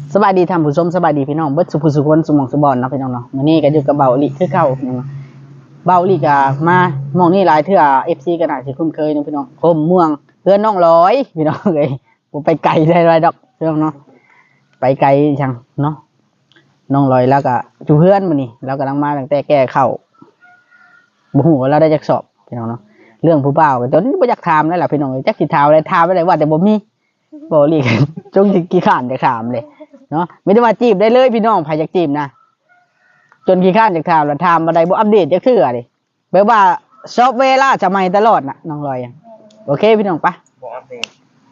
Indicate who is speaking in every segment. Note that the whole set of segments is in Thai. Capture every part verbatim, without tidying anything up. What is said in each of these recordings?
Speaker 1: สบายดีท่านผู้ชมสบายดีพี่น้องเบิดสุภสุคนสมองสบอนเนาะพี่น้องเนาะมื้อนี้ก็อยู่กับเบาอีคือเก่าพี่น้องเบาอีก็มามองนี่หลายเทื่อ เอฟ ซี ก็น่าสิคุ้นเคยเนาะพี่น้องโคมเมืองเพื่อนน้องร้อยพี่น้องเอ้ยบ่ไปไกลได้ไรดอกพี่น้องเนาะไปไกลจังเนาะน้องร้อยแล้วก็อยู่เพื่อนมื้อนี้แล้วกำลังมาตั้งแต่แก้เข้าบ่ฮู้ว่าเราได้จักสอบพี่น้องเนาะเรื่องผู้บ่าวก็จนบ่อยากถามแล้วล่ะพี่น้องเอ้ยจักสิถามอะไรถามไปได้ว่าแต่บ่มีบ่ลีกจงสิขี้ข้านจะถามเลยเนาะไม่ได้ว่าจีบได้เลยพี่น้องใครอยากจีบนะจนขี้ข้านจากถามแล้วถามมาได้บ่อัปเดตจักเทื่อดิแปลว่าซอฟต์แวร์ล่าจะใหม่ตลอดน่ะน้องลอยโอเคพี่น้องปะบ่อัปเดต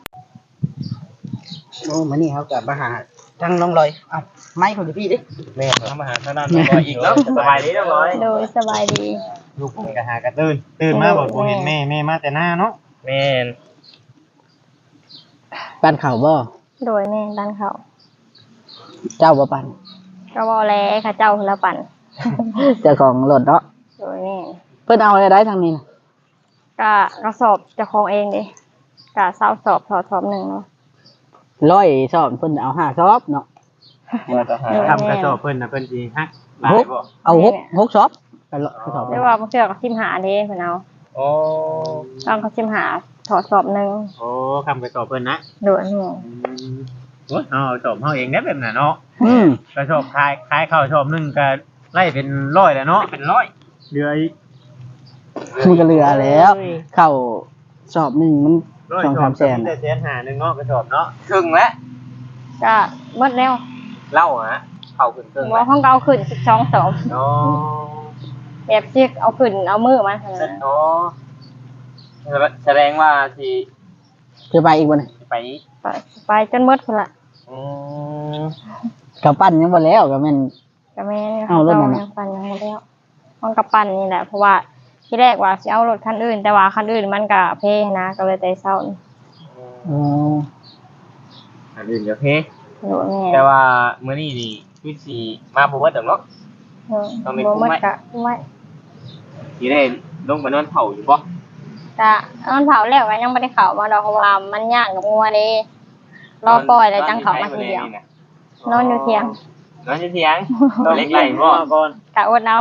Speaker 1: โอ้มื้อนี้เฮาก็มาหาทางน้องลอยเอ้าไมค์ของพี่ดิแม่ทำมาหาทางด้านน้องลอยอีกแล้วสบายดีน้องลอย
Speaker 2: โดยสบายดี
Speaker 3: ลูกผมก็หากระตื่นตื่นมาบอกบ่เห็นแม่แม่มาแต่หน้าเนาะ
Speaker 1: แม่นปั้นข้าวบ่
Speaker 2: โดยแม่ดันเขา
Speaker 1: เจ้าบ่ปั้น
Speaker 2: ก็บ่แลค่ะเจ้าละปั่น
Speaker 1: เจ้าของรถเนาะ
Speaker 2: โดยแม่
Speaker 1: เพิ่นเอาอะไรได้ทางนี้น่ะ
Speaker 2: ก็กระสอบเจ้าของเองดิก็เศร้าสอบสอบสอบหนึ่งเนาะ
Speaker 1: ร้อยสอบเพิ่นเอาห้าสอบเนาะ
Speaker 3: ทำกระสอบเพิ่นน่ะเพิ่นสิฮักหลายบ่
Speaker 1: เอาหก หกสอบกระสอบ
Speaker 2: แต่ว่าบางเทื่อก็สิบห้าเด้เพิ่นเอา
Speaker 3: โอ้
Speaker 2: ต้องเขาสิบห้าถอดสอบหนึ่ง
Speaker 3: โอ้ทำกระสอบเพิ่นนะ
Speaker 2: โดยแม่
Speaker 3: โอ้ยเอาสอบเฮาเองได้แบบน่ะเนาะ
Speaker 1: อืม
Speaker 3: กระสอบขายขายข้าวสอบนึงก็ไล่เป็นร้อยแล้วเนาะเป็นร้อยเหลืออีก
Speaker 1: มันก็เหลือแล้วเข้าสอบหนึ่งมันสองสามแสน
Speaker 3: แต่แสนห้านึงเนาะกระสอบเนาะครึ่งแล้ว
Speaker 2: ก็หมดแล้ว
Speaker 3: เล่าฮะเข้าขึ้นครึ่ง
Speaker 2: บ่ของเก่าขึ้นสิบสองสอบ
Speaker 3: อ๋อ
Speaker 2: แบบสิเอาขึ้นเอามือมา
Speaker 3: อ๋อแสดงว่าสิ
Speaker 1: จะไปอีกบ่นี่
Speaker 3: ไป
Speaker 2: ไปไปจนหมดพุ่นล่ะ
Speaker 3: อืม
Speaker 1: กับปั้นยังบ่แล้วก็แม่น
Speaker 2: ก็แม่เอารถนั่นน่ะปั้นยังบ่แล้วของกับปั้นนี่แหละเพราะว่าที่แรกว่าสิเอารถคันอื่นแต่ว่าคันอื่นมันก็เพนะก็เลยแต่เช้า
Speaker 1: อ๋อ
Speaker 3: อันอื่นก็เพ
Speaker 2: โหแม่
Speaker 3: แต่ว่ามื้อนี้นี่คือสิมาบ่ว่าดอกเนาะ
Speaker 2: เออบ่หมดก็ไว้
Speaker 3: สิได้ลงไปนอนเผาอยู่บ่
Speaker 2: ก็นอนเผาแล้วก็ยังบ่ได้เข้ามาดอกเพราะว่ามันยากกับงัวเด้รอปล่อยแล้วจังเข้ามาทีเดียวนอนอยู่เถียง
Speaker 3: นอนอยู่เถียงนอนเล็กไหลบ่ก่อน
Speaker 2: กะอดเอา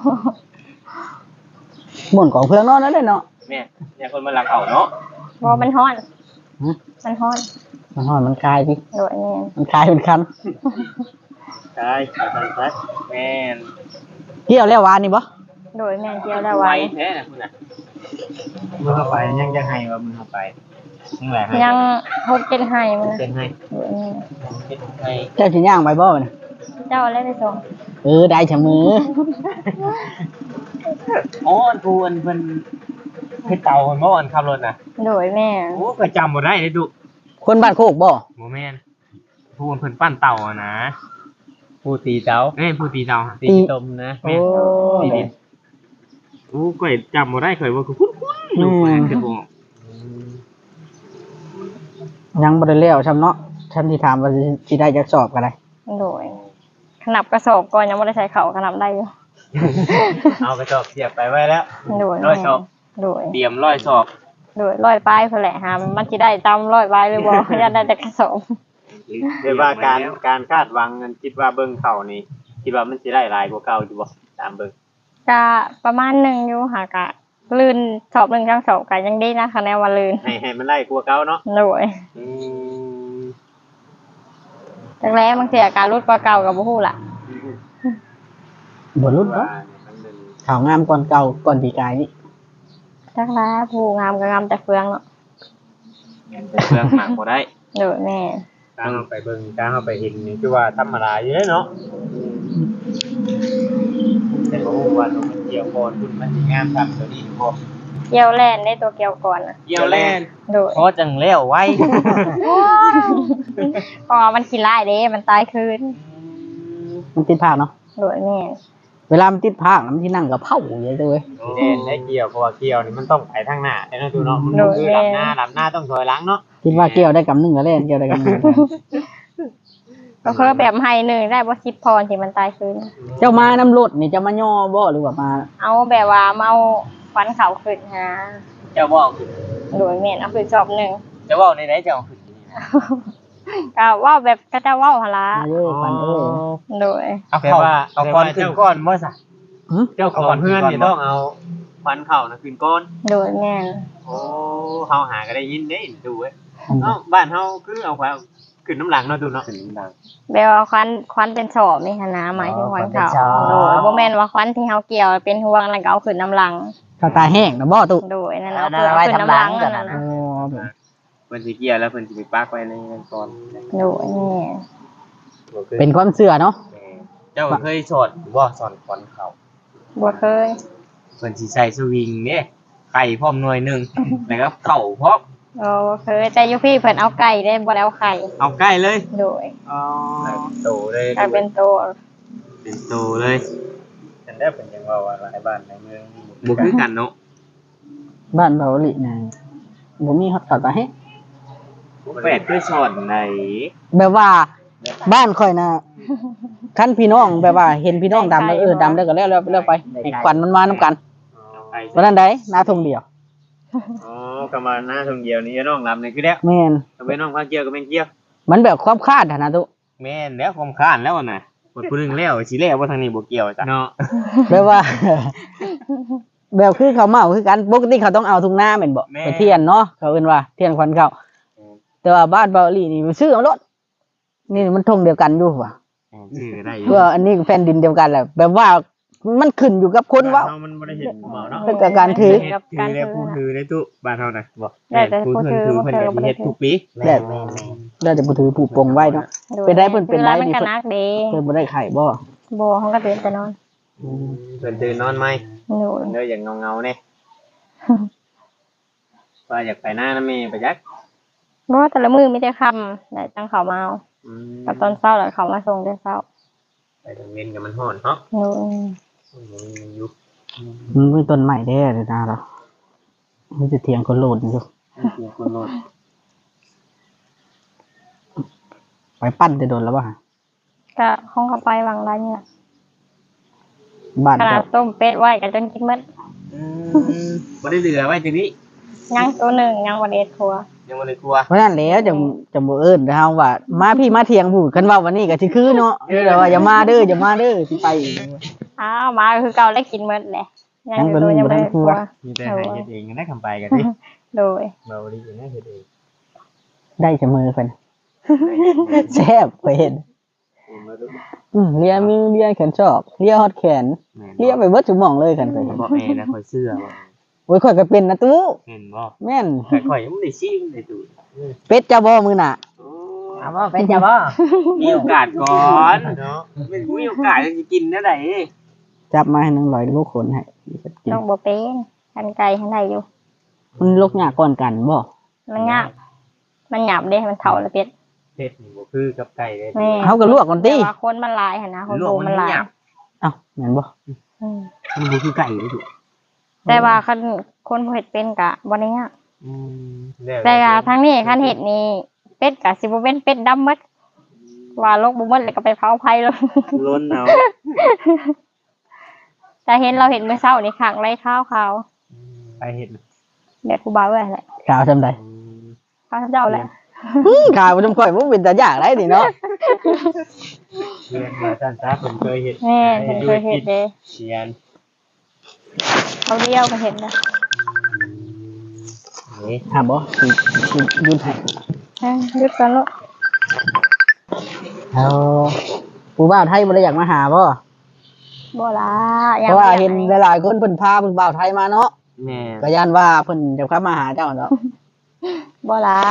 Speaker 1: ม่วนของเพื่อนนอนนั่นแหละเนาะ
Speaker 3: แม่เนี่ยคนมาลักเอาเนาะ
Speaker 2: บ่มันร้อนมันร้อน
Speaker 1: มันร้อนมันคลายสิ
Speaker 2: โดยแม่น
Speaker 1: มันคลายเป็นคัน
Speaker 3: คลายคลายคลายแม่น
Speaker 1: เกี่ยวแล้ววานนี่บ่
Speaker 2: โดยแม่นเกี่ยวแล้ววาน
Speaker 3: แท้น่ะคุณน่ะมื้อเข้าไปยังจะให้ว่ามื้อเข้าไปยังแหละให้
Speaker 2: ยังหกเจ็ดให้มัน
Speaker 3: เป็นให้
Speaker 2: โดยแม่
Speaker 3: เฮ็ดให้
Speaker 1: เจ้าสิย่างไปบ่น่ะ
Speaker 2: เจ้าอะไรไปส่ง
Speaker 1: เออได้เสมอ
Speaker 3: อ๋ออันกูอันเพิ่นเฮ็ดเตาเพิ่นบ่อันขับรถน่ะ
Speaker 2: โดยแม่
Speaker 3: โอ้ก็จำบ่ได้เด้ดุ
Speaker 1: คนบ้านโคกบ่
Speaker 3: บ่แม่นผู้เพิ่นปั้นเตาอ่ะนะผู้ตีเตาเอ้ยผู้ตีเตาตีต้มนะแม่ตีดินโอ้ข่อยจำบ่ได้ข่อยว่าคือคุ้นๆอยู่แม่นจะบ่
Speaker 1: ยังบ่ได้แล้วซ้ำเนาะฉันสิถามว่าสิได้จักสอบก็ได้
Speaker 2: โดยขนับกระสอบก่อนยังบ่ได้ใส่เข้าขนับได้อยู่
Speaker 3: เอากระสอบเสียบไปไว้แล้ว
Speaker 2: โดย
Speaker 3: ร้อยสอบ
Speaker 2: โดย
Speaker 3: เตรียมร้อยสอบ
Speaker 2: โดยร้อยปลายเพิ่นแหละหามันสิได้ตามร้อยปลายหรือบ่อยากได้แต่กระสอบ
Speaker 3: เรียกว่าการการคาดหวังนั้นคิดว่าเบิ่งเข้านี่คิดว่ามันสิได้หลายกว่าเก่าอยู่บ่ตามเบิ่ง
Speaker 2: ก็ประมาณนึงอยู่ค่ะก็ลื่นสอบหนึ่งทั้งสองก็ยังดีนะคะแนวว่าลื่น
Speaker 3: ให้ให้มันไล่กว่าเก่าเนาะ
Speaker 2: โดยอืมจังแล้วบางทีอาการรุดกว่าเก่าก็บ่ฮู้ล่ะ
Speaker 1: บ่รุดเนาะข่าวงามก่อนเก่าก่อนปีกายนี่
Speaker 2: จักแล้วผู้งามก็งามแต่เฟืองเนาะ
Speaker 3: แต่เฟืองหมักบ่ได้
Speaker 2: โดยแม่
Speaker 3: การเอาไปเบิ่งการเอาไปเห็นนี่คือว่าธรรมดาอยู่เด้เนาะแต่บ่ฮู้ว่ามันเกี่ยวก่อนคุณมันสิงามซ้ํตัวนี้บ่
Speaker 2: เกี่ยวแล่นได้ตัวเกี่ยวก่อนน่ะ
Speaker 3: เกี่ยวแล่น
Speaker 2: โดย
Speaker 3: พอจังแล้วไว้
Speaker 2: เพราะมันขี้ร้ายเด้มันตายคืน
Speaker 1: มันติดภาคเนาะ
Speaker 2: โดยแม่
Speaker 1: เวลามันติดภาคมันสินั่งกับเผาอยู่เลยเว้ย
Speaker 3: แล่นได้เกี่ยวเพราะว่าเกี่ยวนี่มันต้องไปทางหน้าแต่เนาะดูเนาะมันคือลำหน้าลำหน้าต้องถอยหลังเนาะ
Speaker 1: คิดว่าเกี่ยวได้กำนึงก็เล่นเกี่ยวได้กำนึง
Speaker 2: ก็คือแบบให้หนึ่งได้บ่คิดพรที่มันตายคืน
Speaker 1: เจ้ามาน้ำรถนี่จะมาย่อบ่หรือว่ามา
Speaker 2: เอาแบบว่าเมาฟันเขาขึ้นฮะ
Speaker 3: เจ้าบ่ขึ้น
Speaker 2: โดยแม่นเอาขึ้นจอบหนึ่ง
Speaker 3: เจ้าบ่ในไหนเจ้าขึ้น
Speaker 2: ก็เว้าแบบก็จะเว้าหั่นล่ะ
Speaker 1: อายุปันเอ้ย
Speaker 2: โดย
Speaker 3: เอาเข้าเอาคอนขึ้นก้อนบ่ซะ
Speaker 1: หึ
Speaker 3: เจ้าของเพื่อนนี่ต้องเอาควันเข้านะขึ้นก้อน
Speaker 2: โดยแม่น
Speaker 3: โอ้เฮาหาก็ได้ยินได้ดูเว้ยเอ้าบ้านเฮาคือเอาความขึ้นน้ำหลังเนาะดูเนาะขึ้นน้ำหลัง
Speaker 2: แบบว่าควันควันเป็นสอบนี่หั่นนะหมายถึงควันขาวโดยบ่แม่นว่าควันที่เฮาเกี่ยวเป็นห่วงแล้วก็เอาขึ้นน้ำหลัง
Speaker 1: ข้าวตาแห้งนะบ่ตุ
Speaker 2: โดยนั่นเอาขึ้นน้ำหลังนั่นน่ะ
Speaker 1: โอ้
Speaker 2: นะ
Speaker 3: เพิ่นสิเกี่ยวแล้วเพิ่นสิไปปักไว้ในนั้นก่อน
Speaker 2: โดยแม่
Speaker 1: เป็นความเชื่อเนาะ
Speaker 3: เจ้าเคยสอนบ่สอนควันเข้า
Speaker 2: บ่เคย
Speaker 3: เพิ่นสิใส่สวิงเด้ไข่พร้อมหน่วยหนึงแล้วก็เข้าพร้อม
Speaker 2: โอ้บ่เคยแต่อยู่พี่เพิ่นเอาไก่ได้บ่ได้เอาไข่
Speaker 3: เอาใกล้เลย
Speaker 2: โดย
Speaker 3: อ๋อโตเลย
Speaker 2: กลายเป็นโต
Speaker 3: เป็นโตเลยฉันได้เป็นยังว่าว่าหลายบ้านในเมืองบ่คือกันเนาะ
Speaker 1: บ้านเบาหลีน่ะบ่มีข้าวตาแห้ง
Speaker 3: แปดคือสอนไหน
Speaker 1: แบบว่าบ้านข่อยน่ะคันพี่น้องแบบว่าเห็นพี่น้องดำแล้วเออดำแล้วก็แล้วแล้วแล้วไปให้ควันมันมานํกันวันนั้นใดหน้าทงเดียว
Speaker 3: อ๋อกำมาหน้าทงเดียวนี้น้องลำนี่คือแล้ว
Speaker 1: แม่น
Speaker 3: ก็เป็นน้องข้างเกี่ยวก็เป็นเกี่ยว
Speaker 1: มันแบบความคาดอะนะตุ
Speaker 3: แม่นแล้วความค้านแล้วน่ะหมดผู้นึงแล้วสิแล้วว่าทางนี้บ่เกี่ยวจ้ะเนาะ
Speaker 1: แบบว่า แบบคือเขาวเมาคือกันปกติเขาต้องเอาทุงหน้าแม่นบ่ไปเทียนเนาะเขาเอิ้นว่าเทียนควันเขาแต่ว่าบ้านเบาหลีนี่ซื้อเอารถนี่มันทงเดียวกันอยู่ว่ะ
Speaker 3: ชื่อได้อยู่
Speaker 1: เพื่ออันนี้แผ่นดินเดียวกันแหละแบบว่ามันขึ้นอยู่กับคนว่า
Speaker 3: เฮามันบ่ได้เห็นเมาเนาะ
Speaker 1: เป็นกับการถือ
Speaker 3: เฮ็ดถือแล้วผู้ถือได้ตุบ้านเฮาน่ะบ่
Speaker 2: ได้แต่ผู้ถือ
Speaker 3: ผู้เพิ่นก็สิเฮ็ดทุกปี
Speaker 1: แต่ได้แต่ผู้ถือผู้ปลงไว้เนาะ
Speaker 2: โดย
Speaker 1: เป็นได้เพิ่นเป็นได้
Speaker 2: คือ
Speaker 1: นี่
Speaker 2: มันก็นักเด้
Speaker 1: เพิ่นบ่ได้ไข่บ่
Speaker 2: บ่เฮาก็ตื่นแต่นอน
Speaker 3: เพิ่นตื่นนอนไหม
Speaker 2: โดย
Speaker 3: เด้ออย่างเงาๆนี่ว่าอยากไปหน้านะแม่ไปจัก
Speaker 2: บ่แต่ละมื้อมีแต่ค่ำได้จังเขามาเอา
Speaker 3: อืม
Speaker 2: กับตอนเช้าแล้วเขามาส่งแต่เช้า
Speaker 3: ไปทางเว้นกับมันฮ้อนเนาะ
Speaker 2: โดย
Speaker 3: มันอยู่
Speaker 1: มันมีต้นใหม่แท้เลยนะเรามีแต่เถียงคนโลดอยู่
Speaker 3: เสียงคนโลด
Speaker 1: ไปปั้นจะโดนแล้วป่ะ
Speaker 2: ก็ห้องเขาไปวางร้านนี่แหละ
Speaker 1: บ้าน
Speaker 2: ขนา
Speaker 1: ก็
Speaker 2: ดต้มเป็ดไว้ก็จนกินหมด
Speaker 3: อืมบ่ได้เหลือไว้ทีนี้
Speaker 2: ยังตัวหนึ่งยังวันเอ็ดครัว
Speaker 3: ยังบ่ได้กลัว
Speaker 1: เพราะนั้นแล้วจะจะบ่เอิ้นเฮาว่า มาพี่มาเถียงผู้กันว่าวันนี้ก็สิคือเนาะเดี๋ยวว่าอย่ามาเด้ออย่ามาเด้อสิไปอีก
Speaker 2: อ้าวมาคือเก่าได้กินหมดแหละยังอยู่
Speaker 1: ยัง
Speaker 2: โดย
Speaker 1: เป็น
Speaker 2: ยังไม่ได้
Speaker 1: อยู่
Speaker 2: ค
Speaker 1: ใน
Speaker 2: รั
Speaker 1: ครั
Speaker 2: ว
Speaker 1: ว
Speaker 3: มีแต่ให้เฮ็ดเองได้คำไปกันดิ
Speaker 2: โดย
Speaker 3: เบาดีนะเฮ็ดเอง
Speaker 1: ได้เสมอเพิ่นแซ่บไปเห็นอืมเลียมือเลียแขนชอบเลียฮอดแขนเลียไปเบิดทุกหม่องเลยกันไปเห็น
Speaker 3: บ่แม่นะข่อยเสื้อบ่
Speaker 1: โอ้ยข่อยก็เป็นนะตู้
Speaker 3: เห็นบ่
Speaker 1: แม่น
Speaker 3: แต่ข่อยยังบ่ได้ชิมได้ดู
Speaker 1: เป็ดจะบ่มื้อน่ะ
Speaker 4: เอาบ่เป็นจะบ่
Speaker 3: มีโอกาสก่อนเนาะไม่มีโอกาสจะกินได้ได
Speaker 1: จับมาให้นางลอยลูกขนให้กิน
Speaker 2: ต้องบ่เป็นกันไก่ให้ได้อยู่
Speaker 1: มันลกยากก่อนกันบ่
Speaker 2: มันยากมันหยาบเด้มันเท่าละเป็ด
Speaker 3: เฮ็ดนี่บ่คือกับไก่เลย
Speaker 2: แม่
Speaker 1: เฮาก็ลวกก่อนติ
Speaker 2: แต่ว่าคนมันหลายหั่นนะคน
Speaker 3: ลว
Speaker 2: โบ
Speaker 3: กมัน
Speaker 2: มันหลาย
Speaker 3: หยาบ
Speaker 1: เอ้าแม่นบ่
Speaker 2: อืม
Speaker 3: มันบ่คือไก่เลยถูก
Speaker 2: แต่ว่าคันคนบ่เฮ็ดเป็นกะบ่ได้ยาก
Speaker 3: อืม
Speaker 2: แต่ว่าทางนี้คันเฮ็ดนี่เป็ดกะสิบ่เป็นเป็ดดำหมดว่าลกบ่หมดแล้วก็ไปเผาไผเลย
Speaker 3: ล้นเอา
Speaker 2: แต่เห็นเราเห็นเมื่อเช้านี่ขังไรข้าวขาว
Speaker 3: ไปเฮ็ด
Speaker 2: เด็ดผู้บ่าวแหละ
Speaker 1: ข่าวซำใด
Speaker 2: ข้าวเจ้าแหละ
Speaker 1: อื้อข่าวบ่ต้องค่อยบ่เป็นตาอยากได้นี่เนาะ
Speaker 3: เรียนมาซั่นซะผมเคยเฮ็ด
Speaker 2: แม่เพิ่นเคยเห็นเด้
Speaker 3: เชียน
Speaker 2: เขาเดียวก็เห็นนะ
Speaker 3: นี่
Speaker 1: ถามบ่สิสิยืนให้
Speaker 2: เอ้ยหยุดกันลูก
Speaker 1: เอาผู้บ่าวไทยบ่ได้อยากมาหาบ่
Speaker 2: บ่ล่ะ
Speaker 1: เพราะว่าเห็นหลายๆคนเพิ่นพาผู้บ่าวไทยมาเนาะ
Speaker 3: แม่
Speaker 1: ก็ย่านว่าเพิ่นจะเข้ามาหาเจ้าเนาะ
Speaker 2: บ่ล่ะ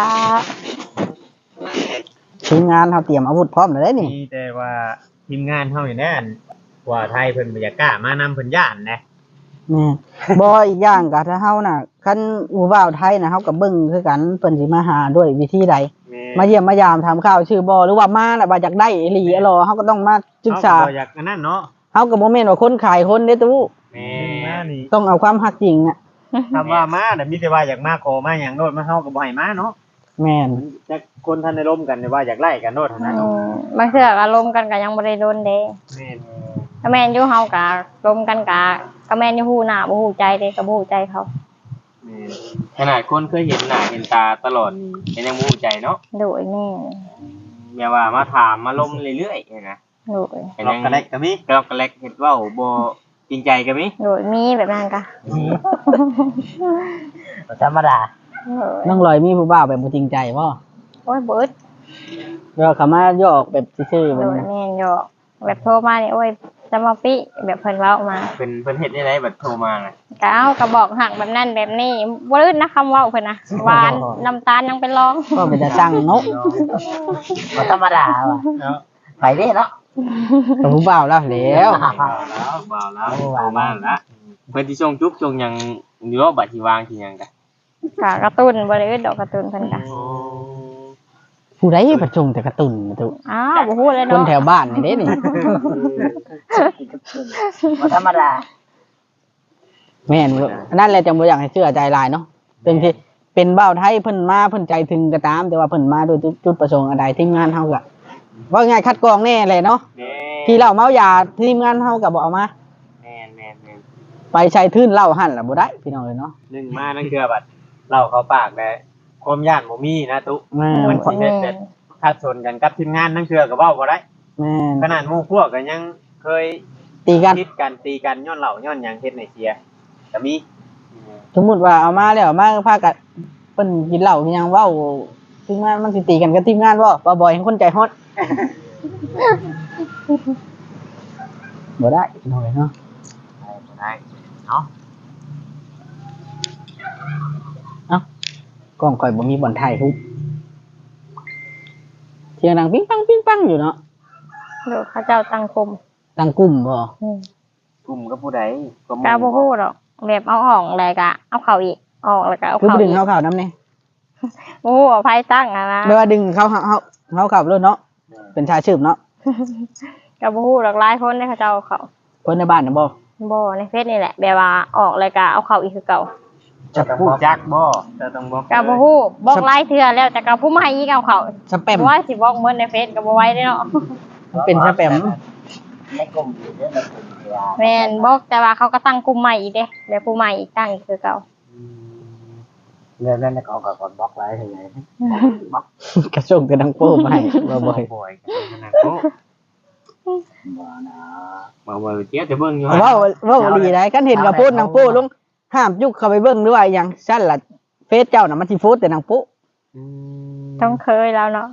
Speaker 1: ทีมงานเฮาเตรียมอาวุธพร้อมแล้วเด้นี่
Speaker 3: มีแต่ว่าทีมงานเฮานี่แน่นว่าไทยเพิ่นบ่อยากกล้ามานำเพิ่นย่านนะ
Speaker 1: แม่บ่อีกอย่างก็ถ้าเฮาน่ะคันผู้บ่าวไทยน่ะเฮาก็เบิ่งคือกันเพิ่นสิมาหาด้วยวิธีใด
Speaker 3: แม่
Speaker 1: มาเยี่ยมมายามถามข่าวชื่อบ่หรือว่ามาน่ะว่าอยากได้อีหลีอะหรอเฮาก็ต้องมาศึกษา
Speaker 3: เฮบ่อยากอันนั้นเนาะ
Speaker 1: เฮาก็บ่แม่นว่าคนขายคนเด้ตู้
Speaker 3: แม่มานี่
Speaker 1: ต้องเอาความฮักจริงน่ะ
Speaker 3: คำว่ามาน่ะมีแต่ว่าอยากมาขอมาหยังโนดมาเฮาก็บ่ให้มาเนาะ
Speaker 1: แม่น
Speaker 3: จักคนท่านได้ร่มกันเนี่ยว่าอยากไล่กันโนดเท่านั้น
Speaker 2: อืมบางเทื่ออารมณ์กันก็ยังบ่ได้โดนเด้
Speaker 3: แม่น
Speaker 2: ถ้าแม่นอยู่เฮาก็ลมกันกะก็แม่นอยู่ฮู้หน้าบ่ฮู้ใจเด้ก็บ่ฮู้ใจเขา
Speaker 3: แม่นขนาดคนเคยเห็นหน้าเห็นตาตลอดเป็นยังมูใจเนาะ
Speaker 2: โดยแม่
Speaker 3: แม่ว่ามาถามมาล้มเรื่อยๆนะ
Speaker 2: โดย
Speaker 3: เป็นยังกระเล็กก็มีกระเล็กเห็ดว่าบ่จริงใจก็มี
Speaker 2: โดยมีแบบนั้นกะ
Speaker 4: ธรรมดา
Speaker 2: โดย
Speaker 1: น้องลอยมีผู้บ่าวแบบบ่จริงใจบ่
Speaker 2: โอ้ยเบิด
Speaker 1: เวลาเขามาหยอกแบบซื่อๆแบ
Speaker 2: โด
Speaker 1: บ
Speaker 2: ย
Speaker 1: นั้น
Speaker 2: แม่นหยอกแบบโทรมานี่โอ้ยจะมาปิแบบเพิ่นเว้ามา
Speaker 3: เป็นเพิ่นเฮ็ดได้ไรบัดโทรมาน่ะ
Speaker 2: ก็เอาก็บอกหักแบบนั้นแบบนี้บ่ลื่นนะคำเว้าเพิ่นนะหวานน้ำตาลยังเป็นรอง
Speaker 1: ก็เป็นจะสร้างนก
Speaker 4: บ่ธรรมดาว่ะ
Speaker 3: เนาะ
Speaker 4: ไปเด้เนาะ
Speaker 1: กับผู้บ่าวแล้วแล้ว
Speaker 3: บ่าวแล้วบ่าวแล้วโทรมาแล้วเพิ่นสิส่งจุ๊บส่งหยังอยู่ว่าบัดสิวางสิหยังกะ
Speaker 2: ก็กระตุ้นบ่ได้อื่นดอกกระตุ้นเพิ่นก็
Speaker 1: ผู้ใดประจงแต่กระตุนมาตุ
Speaker 2: อ้าวบ่ฮู้เลย
Speaker 1: คน
Speaker 2: เนาะ
Speaker 1: แถวบ้านนี่เด้นี่
Speaker 4: บ่ธรรมดา
Speaker 1: แม่นบ่นั่นแหละจังบ่อยากให้เชื่อใจหลายเนาะเป็นที่เป็นบ่าวไทยเพิ่นมาเพิ่นใจถึงก็ตาม แต่ว่าเพิ่นมาโดยจุดประสงค์อะไรทีมงานเฮาก็ว่าง่ายคัดกรองแน่เลยเนาะ
Speaker 3: แม่
Speaker 1: ที่เหล้าเมายาทีมงานเฮาก็บ่เอามา
Speaker 3: แม่นแม่นแม่น
Speaker 1: ไปใช้ทื่นเหล้าหั่นล่ะบ่ได้พี่น้องเอ้ยเนาะ
Speaker 3: หนึ่งมานั่นคือบัดเล่าเข้าปากได้ความย่านบ่มีนะตุ๊
Speaker 1: แม่
Speaker 3: มัน นสิเฮ็ดแบบถ้าชนกันกับทีมงานนั่นคือก็เว้าบ่ได้
Speaker 1: แม่น
Speaker 3: ขนาดหมู่พวกก็ยังเคย
Speaker 1: ตีกัน
Speaker 3: คิดกันตีกันย้อนเหล่าย้อนหยังเฮ็ดในเสียก็มี
Speaker 1: สมมุติว่าเอามาแล้วมาพากันเพิ่นกินเหล้ากินหยังเว้าทีมงานมันสิตีกันกับทีมงานบ่บ่บ่อยให้คนใจฮอดบ่ได้พี่น้องเอ้ยเนาะ
Speaker 3: บ่ได้เนาะ
Speaker 1: กล้องข่อยบ่มีบ่อนถ่ายรูปเสียงดังปิ๊งปังปิ๊งปังอยู่เนาะ
Speaker 2: เดี๋ยวเขาเจ้าตั้งกลุ่ม
Speaker 1: ตั้งกลุ่มบ่
Speaker 2: อืม
Speaker 3: กลุ่มกับผู้ใดก็
Speaker 2: กาบ่ฮู้ดอกแบบเอาออกแล้วก็เอาเข้าอีกออกแล้วก็เอา
Speaker 1: คือ
Speaker 2: เข้า
Speaker 1: บ่ดึ
Speaker 2: อี
Speaker 1: ง
Speaker 2: ก
Speaker 1: เขาเข้านํนี่
Speaker 2: โอ้เอาไผตั้งอะนะ
Speaker 1: แปลว่าดึงเขาเขาเขาเขาเข้าเลยเนาะเป็นชายชืบเนาะ
Speaker 2: ก็บ่ฮู้ดอกหลายคนเด้เขาเจ้าเอาเข้า
Speaker 1: เพิ่นในบ้านน่ะบ่
Speaker 2: บ่ในเฟซนี่แหละแบบว่าออกแล้วก็เอาเข้าอีกคือเก่า
Speaker 3: จะพูดจักบ่จะต้องบอก
Speaker 2: ก็บ่ฮู้บอกหลายเทื่อแล้วแต่ก็ผู้ใหม่อีกเอาเข้า
Speaker 1: สแปม
Speaker 2: ว่าสิบอกเหมือนในเฟซก็บ่ไหวเด้เนาะ
Speaker 1: มันเป็นสแปม
Speaker 4: ในกลุ่มอยู่เด้อในกลุ่มที่ว่า
Speaker 2: แม่นบอกแต่ว่าเขาก็ตั้งกลุ่มใหม่อีกเด้แบบผู้ใหม่อีกตั้งอีกคือเก่า
Speaker 4: เรื่องนั้นเขาก็กดบล็อกไว้ให้ไง
Speaker 1: กระชงกระดังโป้มาให้บ่บ่อย
Speaker 3: บ่อยขนาดโต
Speaker 4: บ่นะ
Speaker 3: บ่บ่เจี๊ยบจะเบิ่งอยู่
Speaker 1: เว้าเว้าดีได้คันเห็นกับโพดนางโป้ลงห้ามยุกเข้าไปเบิ่งหรือว่าหยังซั่นล่ะเฟซเจ้าน่ะมันสิโพสต์แต่นางโป้
Speaker 2: ต้องเคยแล้วเนาะ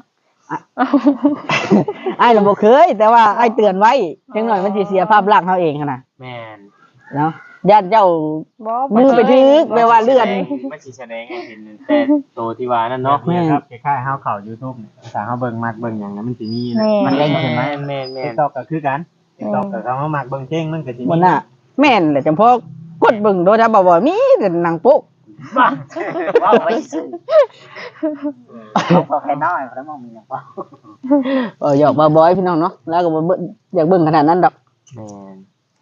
Speaker 1: อ้ายน่ะบ่เคย แต่ว่าอ้ายเตือนไว้จังหน่อยมันสิเสียภาพลักษณ์เฮาเองหั่นน่ะ
Speaker 3: แม่น
Speaker 1: เนาะญาติเจ้า
Speaker 2: บ่
Speaker 1: มือไปถึกแปลว่าเลื่อน
Speaker 3: มันสิแสดงให้เห็นแต่โตที่ว่านั่นเนาะ
Speaker 1: แม่น
Speaker 3: ครับคล้ายๆเฮาเข้า YouTube นี่ถ้าเฮาเบิ่งมักเบิ่งหยังแล้วมันสิมี
Speaker 2: แม่
Speaker 3: มัน
Speaker 2: น
Speaker 3: เด้งขึ้นมาแม่นๆ TikTok ก็คือกัน TikTok ก็เขามามักเบิ่งเพลงมันก็สิมี
Speaker 1: บ่น่ะแม่นแหละจำพอกดเบิ่งโดยถ้าบ่บ่มีแต่นางโป้
Speaker 4: บ้าว่าไว้ซื่อเขาพอแค่น้อยเพราะมันมีอย่างว่า
Speaker 1: เออหยอกบ่บ่อยพี่น้องเนาะแล้วก็บ่เบิ่งอยากเบิ่งขนาดนั้นดอก
Speaker 3: แม่น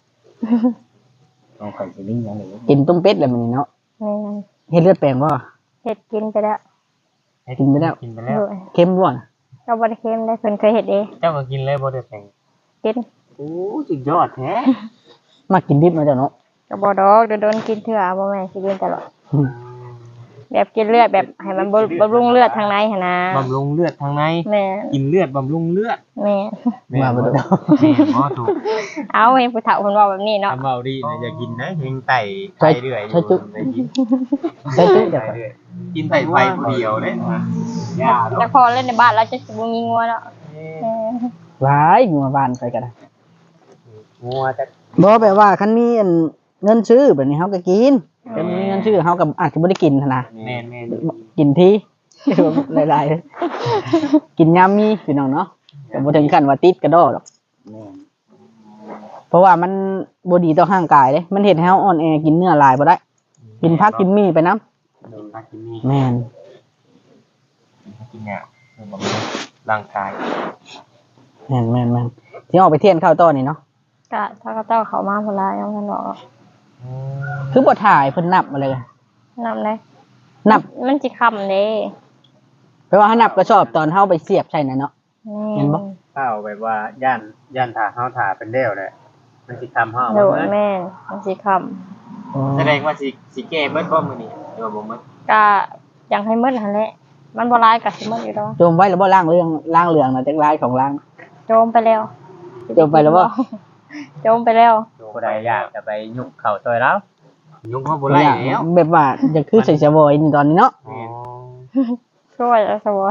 Speaker 4: ต้องคอยสิมีอย่างนี้
Speaker 1: กินต้มเป็ดแล้วมื้อนี้เนาะ
Speaker 2: แม่น
Speaker 1: เฮ็ดเลือดแปลงบ่
Speaker 2: เฮ็ดกินไปแล้ว
Speaker 1: กินไปแล้ว
Speaker 3: กินไปแล้ว
Speaker 2: ด้วย
Speaker 1: เค็มบ่น่ะ
Speaker 2: ก็บ่ได้เค็มได้เพิ่นเคยเฮ็ดเอง
Speaker 3: เจ้าก็กินเลยบ่ได้แปลง
Speaker 2: กิน
Speaker 3: โอ้สุดยอดแท้
Speaker 1: มากินดิบเนาะเจ้าเนาะ
Speaker 2: ก็บ่ดอกโดนๆกินเทื่อบ่แม่นสิกินตลอดแบบกินเลือดแบบให้มันบำรุงเลือดทางในหั่นนะ
Speaker 3: บำรุงเลือดทางใน
Speaker 2: แม่
Speaker 3: กินเลือดบำรุงเลือด
Speaker 2: แม่
Speaker 1: มาบ่ได้
Speaker 3: แม่หมอถูก
Speaker 2: เอาเห็นผู้เฒ่าเพิ่นเว้าแบบนี้เนาะ
Speaker 3: ทำเบาดีนะอย่ากินนะเฮงไต่ไตเรื่อยอยู่ได้กิน
Speaker 1: ใส่จุ๊
Speaker 3: ไต
Speaker 1: เดี๋ยว
Speaker 3: เรื่อยกินไต่ไฟผู้เดียวเลยนะยา
Speaker 2: แต่พอเล่นในบ้านแล้วจะสิบ่มีงัวแล้วเออ
Speaker 1: หลายงัวบ้านไปก็ได้
Speaker 3: งัวจะ
Speaker 1: บ่แปลว่าคันมีอันเงินซื้อแบบนี้เฮาก็กินแต่มีเงินซื้อเฮาก็อาจสิบ่ได้กินหั่นน่ะ
Speaker 3: แม่นแม่น
Speaker 1: กินที หลายๆกินยามมีพี่น้องเนาะก็บ่ถึงขั้นว่าติดกระดอดอก
Speaker 4: แม่น
Speaker 1: เพราะว่ามันบ่ดีต่อร่างกายเด้มันเฮ็ดให้เฮาอ่อนแอกินเนื้อหลายบ่ได้ กินผักกินมีไปนำ
Speaker 3: โดนพักกินนี่
Speaker 1: แม่น
Speaker 3: กินเนี่ยบำรุงร่างกาย
Speaker 1: แม่นแม่นแม่นสิออกไปเที่ยนข้าวต้อนี่เนาะ
Speaker 2: ก็ถ้าก็เจ้าเขามาพุ่นละยังบ่เนาะ
Speaker 1: คือบ่ถ่ายเพิ่นนับมาเลย
Speaker 2: นำได้
Speaker 1: นับ
Speaker 2: มันสิค่ำเด้
Speaker 1: แปลว่าเฮานับก็ชอบตอนเฮาไปเสียบใช่น่ะเนาะ เห็นบ่
Speaker 3: ข้าวแบบว่าย่านย่านถ่าข้าวถ่าเป็นเดี่ยวเลยมันสิทำห้า
Speaker 2: โด
Speaker 3: มัน
Speaker 2: ย
Speaker 3: เมื่อ
Speaker 2: แม่นมันสิค่ำ
Speaker 3: แสดงว่าสิสิแก้เบิดบ่มื้อนี้ตัวบ่หมด
Speaker 2: ก็อยากให้มืดหั่นแหละมันบ่ร้ายก็สิมืดอยู่ดอก
Speaker 1: โจมไว้แล้วบ่ล่างเรื่องล่างเรื่องนะจักลายของล่าง
Speaker 2: โจมไปแล้ว
Speaker 1: โจมไปแล้วบ่
Speaker 2: โจมไปแล้ว
Speaker 4: ผู้ใดอยากจะไปยุกเข่าซอยแล้ว
Speaker 3: ยุงเขาบ่ไล่แล้ว
Speaker 1: แบบว่าจะคือใส่สบอยนี่ตอนนี้เนาะ
Speaker 3: อ๋อ
Speaker 2: ช่วยแล้วสบาย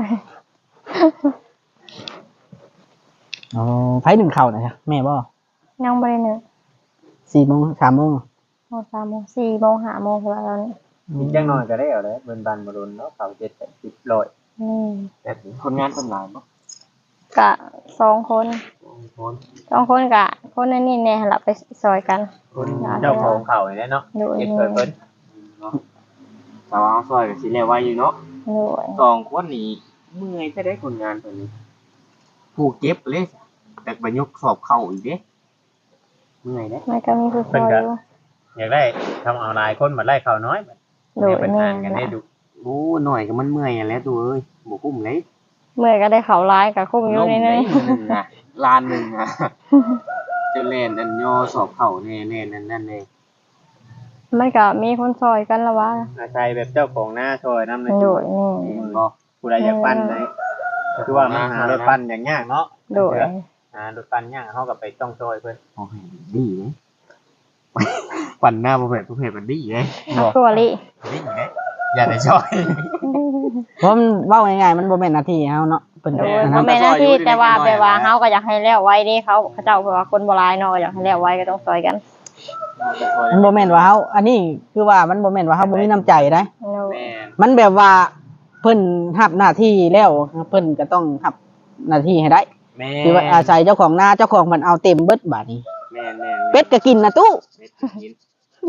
Speaker 1: อ๋อไผหนึ่งเข่านะจ๊ะแม่บ่
Speaker 2: ยังบ่ได้หนึ่ง
Speaker 1: สี่โมงสามโมง
Speaker 2: โมงสามโมงสี่โมงห้าโมงแล้วตอนนี้
Speaker 4: กินจังน้อยก็ได้เอาเลยเบิ่นบันบ่โดนเนาะเข่าเจ็ดแปดสิบร้อย
Speaker 2: นี่
Speaker 3: แต่คนงานคนหลายบ่
Speaker 2: กะสองคน
Speaker 3: คน
Speaker 2: สองคนกะคนนั้นนี่แน่หลับไปซอยกัน
Speaker 4: คนเจ้าของเข่านี่เนาะ
Speaker 2: โดย
Speaker 4: เจ็ด
Speaker 2: นี่
Speaker 4: เปิดเพิ่น
Speaker 3: เนาะแต่ว่าซอยก็สิแล้วไว้อยู่เนาะ
Speaker 2: โดย
Speaker 3: สองคนนี้เมื่อยจะได้คนงานตัวนี้ผู้เก็บเลยแต่ไปยกสอบเข้าอีกเด้เมื่อยเด้
Speaker 2: มันก็มีผู้ซอยอยู่
Speaker 4: อยากได้ทำเอาหลายคนมาไล่เข่าน้อย
Speaker 2: โดย
Speaker 4: เป็น
Speaker 2: แน่
Speaker 4: ทางกันได้ดู
Speaker 3: โอ้หน่อยก็มันเมื่อยอะแล้วตัวเอ้ยบ่คุ้มเลย
Speaker 2: เมื่อยก็ได้เขาร้ายกับคุ้มอยู่นี่
Speaker 3: เล
Speaker 2: นี่
Speaker 3: ยนะล้านหนึ่งอะจะเล่นอันย่อสอบเข้าแน่แน่นั่นนั่นเลย
Speaker 2: มันก็มีคนซอยกันละวะ
Speaker 4: อาชัยแบบเจ้าของหน้าซอยน้ำเลย
Speaker 2: โดยนี่
Speaker 3: บ่
Speaker 4: ผู้ใดอยากปั้นไหนคือว่ามันหารถปั้นอย่างยากเนาะ
Speaker 2: โดย
Speaker 4: หารถปั้นยากเขากับไปต้องซอยเพิ่น
Speaker 3: โอเคดีเลยปั่นหน้าประเภทประเภทมันดีเลย
Speaker 2: ตัวลิ
Speaker 3: ดีเลยอย่าได้ช่อย
Speaker 1: เพราะมันเว้าง่ายๆมันบ่แม่นหน้าที่เฮาเนาะเพิ่น
Speaker 2: โด
Speaker 1: ก็
Speaker 2: ย
Speaker 1: อัน
Speaker 2: พ่
Speaker 1: นั้
Speaker 2: อน แม่หน้าที่แต่ว่าแบบว่าเฮาก็อยากให้แล้วไว้เด้เขาเขาเจ้าเผื่อว่าคนโบราณเนาะอยากให้แล้วไว้ก็ต้องซอยกัน
Speaker 1: มันบ่แม่นว่าเฮาอันนี้คือว่ามันบ่แม่นว่าเฮาบ่มีน้ำใจนะ
Speaker 2: โดย
Speaker 3: แม่
Speaker 1: มันแบบว่าเพิ่นรับหน้าที่แล้วเพิ่นก็ต้องรับหน้าที่ให้ได้
Speaker 3: แม่
Speaker 1: คือว่าอาศัยเจ้าของนาเจ้าของมันเอาเต็มเบิดบาดนี้
Speaker 3: แม่แม่
Speaker 1: เป็ดก็กินนะตู้
Speaker 3: เป็ดกิน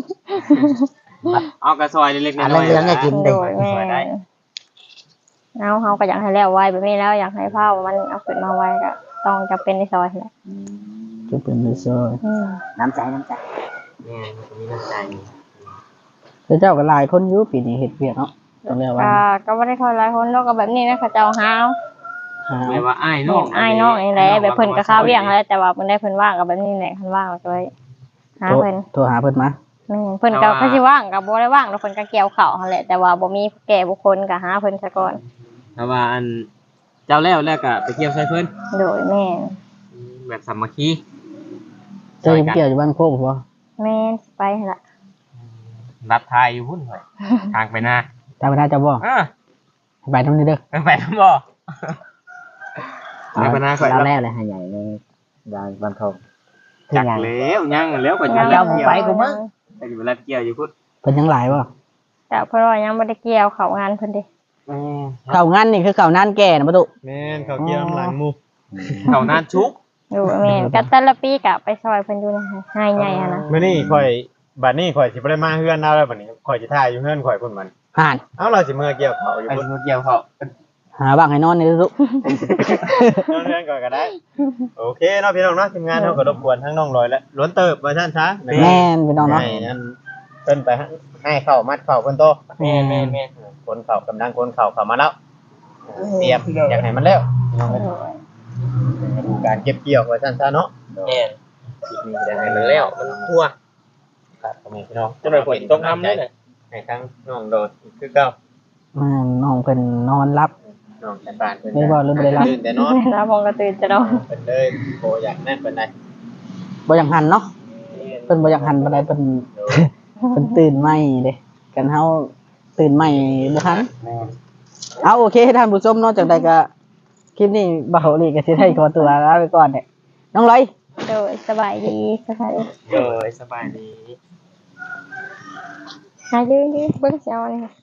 Speaker 3: เอากระซอยเล็กๆน้อยๆ
Speaker 1: อันเหลืองๆก็กิน
Speaker 2: โดยแม่เอาเฮาก็อยากให้แล้วไว้แบบนี้แล้วอยากให้เผามันเอาขึ้นมาไว้ก็ต้องจำเป็นในซอยแหละ
Speaker 1: จะเป็นเลยซอย
Speaker 2: อืม
Speaker 4: น้ำใจน้ำใจ
Speaker 3: แม่มันก็มีน้ำใจ
Speaker 1: แล้วเจ้าก็หลายคนอยู่ปีนี้เฮ็ดเวียกเนาะต้องเรียกว่า
Speaker 2: ก็ก็บ่ได้ค่อยหลายคนเนาะก็แบบนี้นะเขาเจ้าหาเอา
Speaker 1: หา
Speaker 3: ไม่ว่าอ้ายน้อง
Speaker 2: อ้ายน้องนี่แหละแบบเพิ่นก็ข้าวเวียงแล้วแต่ว่าเพิ่นได้เพิ่นว่างก็แบบนี้แหละเพิ่นว่างก็เลยหา
Speaker 1: โทร
Speaker 2: เพิ่น
Speaker 1: โทรหาเพิ่นมา
Speaker 2: แม่นเพิ่นก็เขาสิว่างก็บ่ได้ว่างแล้วเพิ่นก็เกี่ยวข้าวหั่นแหละแต่ว่าบ่มีแก่บุคคลก็หาเพิ่นซะก่อน
Speaker 3: แต่ว่าอันเจ้าแล้วแล้วก็ไปเกี่ยวใส่เพิ่น
Speaker 2: โดยแม่น
Speaker 3: แบบสามัคคี
Speaker 1: เจ้าเกี่ยวอยู่บ้านโคกบ่
Speaker 2: แม่นไปหั่นล่ะ
Speaker 3: รับทายอยู่พุ่นหน่อยทางไปหน้า
Speaker 1: ตามไปได้เจ้าบ่
Speaker 3: อ่า
Speaker 1: ไปทำนี่เด้อ
Speaker 3: ไปไปทั้งบ่ไปหน้าก่อน
Speaker 4: เราแล้วเลยหาใหญ่เลยยายบันทง
Speaker 3: จักแล้วยังแล้วก็ยัง
Speaker 2: ยัง
Speaker 3: ไปกูมั้งไปอยู่รับเกี่ยวอยู่พุ่น
Speaker 1: เพิ่นยังหลายบ่
Speaker 2: แต่เพิ่นว่ายังบ่ได้เกี่ยวเข้างานเพิ่นเด้
Speaker 1: เข้างานนี่คือเข้านานแก่นะบ่ตุ
Speaker 3: แม่นเขาเกี่ยวหลังมูเขานานชุก
Speaker 2: อยู่แม่นก็แต่ละปีก็ไปซอยเพิ่นอยู่นะให้ใหญ่หั่นนะ
Speaker 5: มื้อนี้ข่อยบัดนี้ข่อยสิบ่ได้มาเฮือนเราแล้วบัดนี้ข่อยสิถ่ายอยู่เฮือนข่อยพุ่นมัน
Speaker 1: ห่าน
Speaker 5: เอ้าเราสิเมื่อเกี่ยวเขาอยู่
Speaker 3: ไป
Speaker 5: พุ่น
Speaker 3: เกี่ยวเขา
Speaker 1: หาบ้างให้นอนนี่ตุ
Speaker 5: นอนเฮือนก่อนก็ได้ โอเคเนาะพี่น้องเนาะทีมงานเฮาก็รบกวนทั้งน้องลอยและล้วนเติบว่าซั่นซะ
Speaker 1: แม่นพี่น้องเนาะ
Speaker 5: ให้นั่นเพิ่นไปให้เข้ามัดเข้าเพิ่นโต
Speaker 3: แม่แม่แม่
Speaker 5: คนเข้ากำลังคนเข้าเข้ามาแล้วเตรียมอยากให้มันแล้วพี่น้องเอ้ยดูการเก็บเกี่ยวว่าซั่นซะเนาะ
Speaker 3: แม่
Speaker 5: คลิปนี้อยากให้
Speaker 3: ให้
Speaker 5: มั
Speaker 3: มัน น
Speaker 5: แล้
Speaker 3: แล้ว วมันทั่ว
Speaker 5: ครับพ่อแม่พี่น้อง
Speaker 3: จะไปฝนตกน้ำได้เลย
Speaker 5: ให้ทั้งน้องโดดคือเก่า
Speaker 1: แม่นน้องเพิ่นนอนรับ
Speaker 5: น้องแต่บ้านเพิ่น
Speaker 1: ไม่บ่หรือบ่ได้รับ
Speaker 5: ตื่นแต่นอน
Speaker 2: แล้วมองก็ตื่นจะนอน
Speaker 5: เพิ่นเลยโบอยากนั่นเพิ่นได้
Speaker 1: บ่อยากหันเนาะเพิ่นบ่อยากหันปานใดเพิ่น เพิ่นตื่นใหม่เด้กันเฮาตื่นใหม่บ่ทันเอาโอเคท่านผู้ชมเนาะจากใดก็คลิปนี้บ่าวลีก็สิได้ขอตัวลาไปก่อนเด้น้องลอย
Speaker 2: โดยสบายดีสบายดี
Speaker 3: เออสบายดี
Speaker 2: หายืนยืนเบิ่งเสียวนี่